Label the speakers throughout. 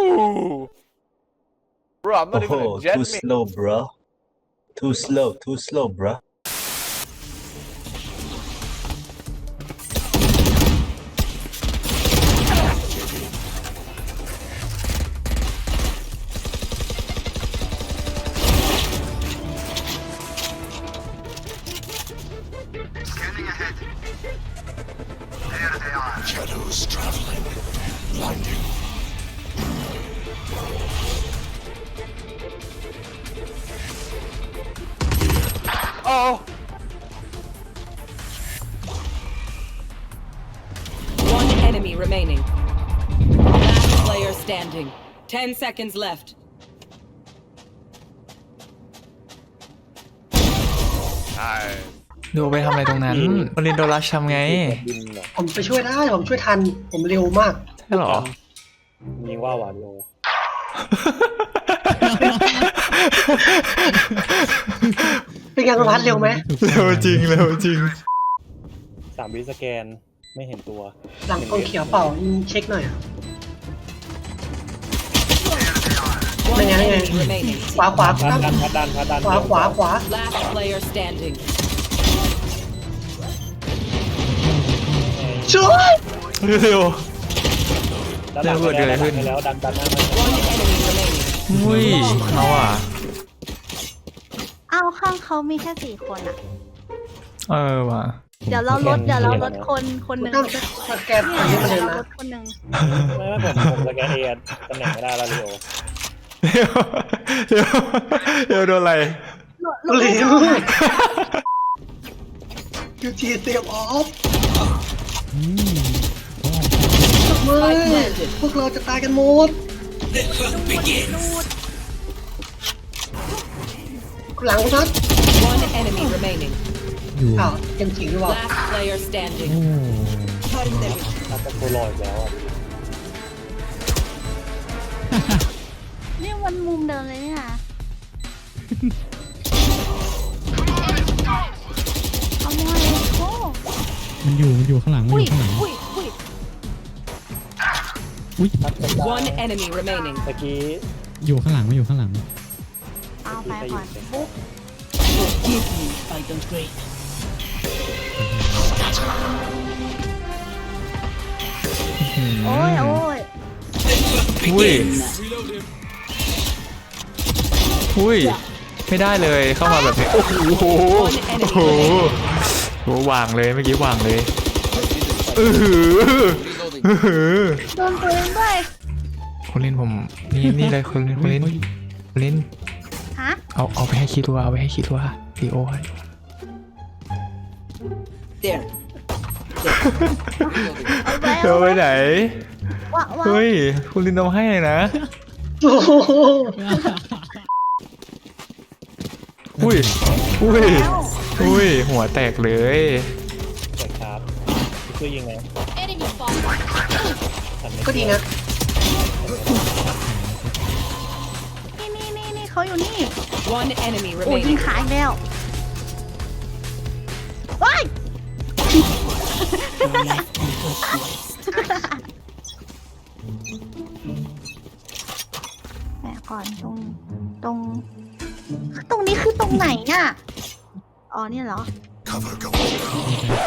Speaker 1: Bro, I'm not even a jet
Speaker 2: too
Speaker 1: man.
Speaker 2: slow, bro. Too slow, bro.
Speaker 3: Scanning ahead. There they are. Shadows traveling. Blinding.
Speaker 1: Oh.
Speaker 4: One enemy remaining. Last player standing. 10 seconds left.
Speaker 1: ใช่
Speaker 5: ดูไปทำอะไรตรงนั้นคนเรียนโดรัชทำไง
Speaker 6: บินเหรอ
Speaker 7: ผมไปช่วยได้ผมช่วยทันผมเร็วมาก
Speaker 5: ใช่หรอ
Speaker 6: ยิงว่าหวานโล
Speaker 7: เป็นไงคุณพัดเร็วไหม
Speaker 5: เร็วจริงเร็วจริง
Speaker 6: 3 วิสแกนไม่เห็นตัว
Speaker 7: หลังกองเขียวเปล่าเช็คหน่อยอะ
Speaker 4: One
Speaker 7: Đây nè, đây
Speaker 4: enemy
Speaker 7: nè.
Speaker 4: remaining.
Speaker 7: ขวา
Speaker 6: พัด
Speaker 7: ตั้ง
Speaker 6: ดันพัดดันพัดดัน
Speaker 7: ขวา
Speaker 4: Last player standing.
Speaker 7: ช่วย
Speaker 5: เร็ว
Speaker 6: ดันหลัง
Speaker 5: เดี๋ยวเกิดอะไรขึ้น
Speaker 6: แล้วดันดันนั่น
Speaker 4: One enemy remaining.
Speaker 5: อุ้ยเขาอ่ะ
Speaker 8: อ้าวข้างเขามีแค่4 คนอ่ะ
Speaker 5: ว่ะ
Speaker 8: เดี๋ยวเราลดคนหนึ่ง
Speaker 7: ตั้งสแกน
Speaker 8: เนี่
Speaker 7: อันนี้มาเลย
Speaker 8: เรา
Speaker 7: นะ
Speaker 6: ไม่
Speaker 8: ลดคนหนึ่ง
Speaker 6: ผมสแกนเอตำแหน่งไม่ได้แล้วเร็ว
Speaker 5: เร็วโดนอะไร
Speaker 8: ลด
Speaker 7: เร็
Speaker 8: ไม่
Speaker 7: ว
Speaker 8: ได้
Speaker 7: ยูทีเตรียมออฟไม่พวกเราจะตายกันหมดหลังคุณพัด
Speaker 4: One enemy remaining.
Speaker 7: อ้าวยังจริงหรือเปล่า
Speaker 4: Last player standing.
Speaker 6: ถ้าจะโคลอยแล้วอ่ะ
Speaker 8: นี่มันมุมเดิมเลยนี่นะเอาหน่อยโอ้
Speaker 9: มันอยู่ข้างหลังมัน
Speaker 8: อุ้
Speaker 9: อย ยู่ข้างหลัง
Speaker 6: พัดกระจาย
Speaker 4: One enemy remaining.
Speaker 6: ตะกี้
Speaker 9: อยู่ข้างหลังมันอยู่ข้างหลัง
Speaker 8: เอาไปก่อนปุ๊บ
Speaker 4: Give me by the great.
Speaker 8: โอ้ย
Speaker 5: อุ้ยไม่ได้เลยเข้ามาแบบนี้โอ้โหโอ้โหโอ้วางเลยเมื่อกี้วางเลย
Speaker 8: โดนตัวเองด้วย
Speaker 5: คุณลินผมนี่เลยคุณลิน
Speaker 8: ฮะ
Speaker 5: เอาไปให้คิดว่าเอาไปให้คิดว่าดีโอให้
Speaker 4: There.
Speaker 5: เอาไปไหน
Speaker 8: ว้า
Speaker 5: เฮ้ยคุณลินเอาให้เลยนะ
Speaker 7: โอ้โห
Speaker 5: อุ้ยหัวแตกเลย
Speaker 6: แตกครับช่วยยิงไง
Speaker 7: ก็ดีนะ
Speaker 8: นี่เขาอยู่นี่
Speaker 4: One enemy
Speaker 8: โอ้ยยิง
Speaker 4: remaining.
Speaker 8: ขาอีกแล้วว้ายแหมก่อนตรงนี้คือตรงไหนอ่ะ อ๋อเนี่ยเหรอ
Speaker 3: Cover going down.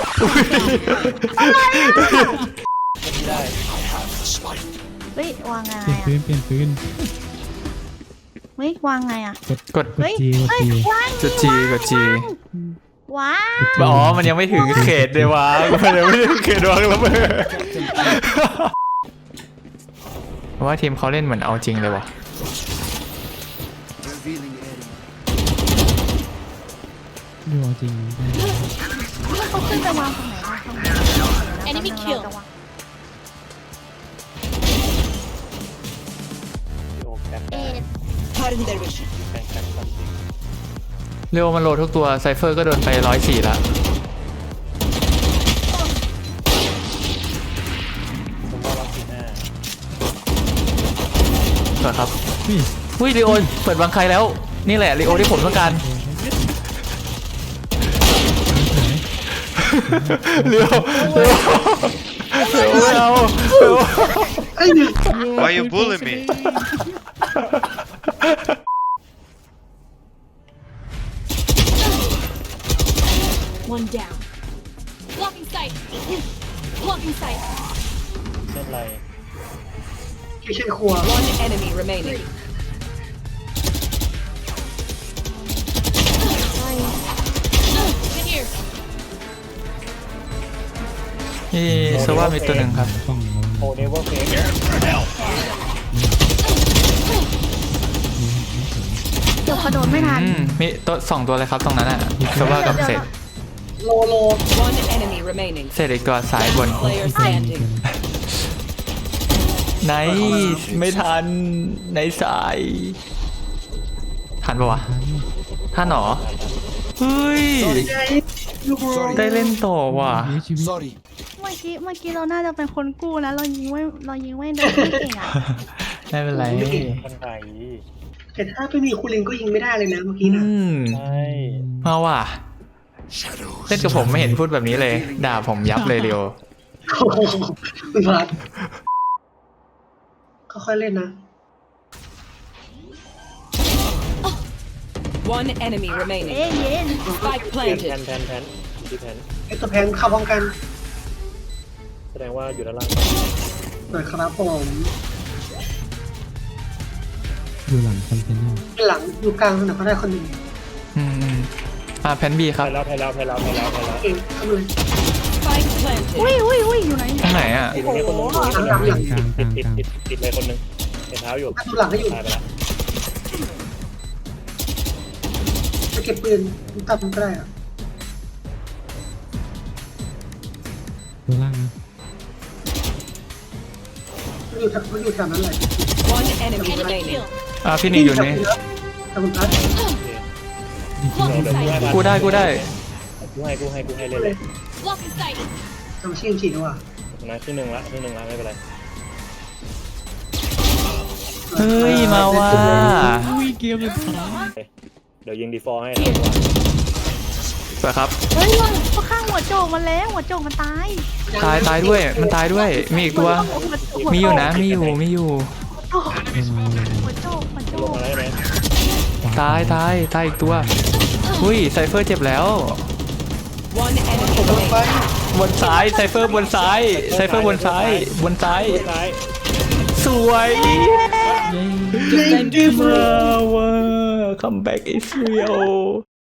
Speaker 6: ไม่ได้
Speaker 3: I have the spike.
Speaker 8: เฮ้ยวางไง
Speaker 9: เปลี่ยน
Speaker 8: อ่ะ
Speaker 9: ปืนเปลี่ยนปืน
Speaker 8: เฮ้ยวางไงอ่ะ
Speaker 5: กด
Speaker 9: กดจีกด
Speaker 8: เฮ้ย
Speaker 9: จี
Speaker 8: วาง
Speaker 5: กดจีกดจี
Speaker 8: ว้า
Speaker 5: อ๋อมันยังไม่ถึงเขตเลยวะมันยังไม่ถึงเขตวางแล้วเบอเพราะว่าทีมเขาเล่นเหมือนเอาจริงเลยวะ
Speaker 9: ดูเอาจริง
Speaker 8: เขาขึ้นไปวางตรงไหนวะตรงไหน Enemy kill
Speaker 6: โอ้แกน
Speaker 8: เอ็ด
Speaker 4: Pardon their vision.
Speaker 6: แกนครับ
Speaker 5: เร็วมันโหลดทุกตัวไซเฟอร์ก็โดนไป104ละ
Speaker 6: ผมว่าวัคซีน
Speaker 5: ก่อนครับอุ้ยลีโอเปิดบังใครแล้วนี่แหละลีโอที่ผมต้องการเร็วไม่เอา
Speaker 7: ไอ้เนี่ย
Speaker 10: Why you bully me?
Speaker 8: One down. Blocking sight. Blocking sight.
Speaker 6: เล่นไร
Speaker 7: ไม่ใช่ครัว
Speaker 4: One enemy remaining.
Speaker 8: Get here.
Speaker 5: นี่โซว่ามีตัวหนึ่งครับ
Speaker 9: กล้องเรา
Speaker 6: โอเนเวอร์เฟก
Speaker 8: เดี๋ยวกระโดดไม่ทัน
Speaker 5: มีตัวสองตัวเลยครับตรงนั้นอ่ะโซว่ากับเศษ
Speaker 7: โล
Speaker 4: One enemy remaining.
Speaker 5: เศษอีกตัวซ้ายบน
Speaker 4: Player standing.
Speaker 5: ไหนไม่ทันในสายทันปะวะทันหรอเฮ้ย
Speaker 7: ไงลูกโล
Speaker 5: ได้เล่นต่อว่ะ
Speaker 9: เสียชีวิต
Speaker 3: Sorry.
Speaker 8: เมื่อกี้เราน่าจะเป็นคนกู้นะเรายิงไม่โดนไม่เก่งอ่ะ
Speaker 5: ไม่เป็นไร
Speaker 6: คนไทย
Speaker 7: แต่ถ้าไม่มีคูลินก็ยิงไม่ได้เลยนะเมื่อกี้
Speaker 5: อื
Speaker 7: นะ
Speaker 5: ม
Speaker 6: ใช่
Speaker 5: มาว่ะ
Speaker 3: Shadows
Speaker 5: เล่นกับผมไม่เห็นพูดแบบนี้เลย ด่าผมยับเลยเรียว
Speaker 7: โอ้โหคุณพัดค่อยๆเล่นนะ
Speaker 4: One enemy
Speaker 8: เอ๊ะ
Speaker 4: remaining.
Speaker 8: เย็น
Speaker 4: Spike
Speaker 6: แพน
Speaker 4: planted.
Speaker 6: แพนอยู่ที่แพน
Speaker 7: ไอตัวแพนเข้าพร้อมกัน
Speaker 6: แสดงว่าอยู่ด้านล่าง
Speaker 7: หน่อยครับผม
Speaker 9: อยู่หลังคอนเทนเนอร์
Speaker 7: หลังอยู่กลางสนามก็ได้คนหนึ่ง
Speaker 5: อืมแพนบีค
Speaker 6: ไป
Speaker 5: รับ
Speaker 6: แล้ว
Speaker 7: เก่งเข้ามาเลย
Speaker 4: Spike planted.
Speaker 8: อุ้ยอยู่ไหน
Speaker 5: ตรงไหนอ่ะ
Speaker 6: ติดตรงนี้คนนึง
Speaker 9: กลางกลางกลาง
Speaker 6: ติดเลยคนนึงเห็นเท้าอยู่
Speaker 7: ถ้าดูหลังให้อยู่
Speaker 6: ตายไปแล้ว
Speaker 7: จะเก็บปืนตัดมันก็ได้อะ
Speaker 9: ตัวล่างนะ
Speaker 7: มันอยู่แถวนั้นเลย
Speaker 4: One enemy
Speaker 8: Enemy
Speaker 4: remaining.
Speaker 8: kill.
Speaker 5: พี่นี่อยู่นี่
Speaker 7: แต่คุณพัด
Speaker 9: ดีคิว
Speaker 6: เดี๋ยว
Speaker 5: กูได้
Speaker 6: กูให้เล่นเลย
Speaker 8: Blocking sight.
Speaker 7: ทำชื่อฉีดดีกว่า
Speaker 6: นะครึ่งหนึ่งละไม่เป็นไร
Speaker 5: เฮ้ยมาว่ะ
Speaker 9: อุ้ยเกมเลยขา
Speaker 6: เดี๋ยวยิงดีฟอร์ให้
Speaker 5: สวยครับ
Speaker 8: เฮ้ยเขาข้างหัวโจกมันแล้วหัวโจกมันตาย
Speaker 5: ตายด้วยมันตายด้วยมีอีกตัว มีอยู่นะมีอยู่
Speaker 8: หัวโจก
Speaker 6: ลงมาแล้วใช่ไหม
Speaker 5: ตายอีกตัวอุ้ยไซเฟอร์เจ็บแล้ว
Speaker 4: One enemy remaining.
Speaker 5: บนซ้ายไซเฟอร์บนซ้ายไซเฟอร์บนซ้าย
Speaker 6: ซ้าย
Speaker 5: สวย
Speaker 4: Defenders
Speaker 5: มาว่ะ comeback is real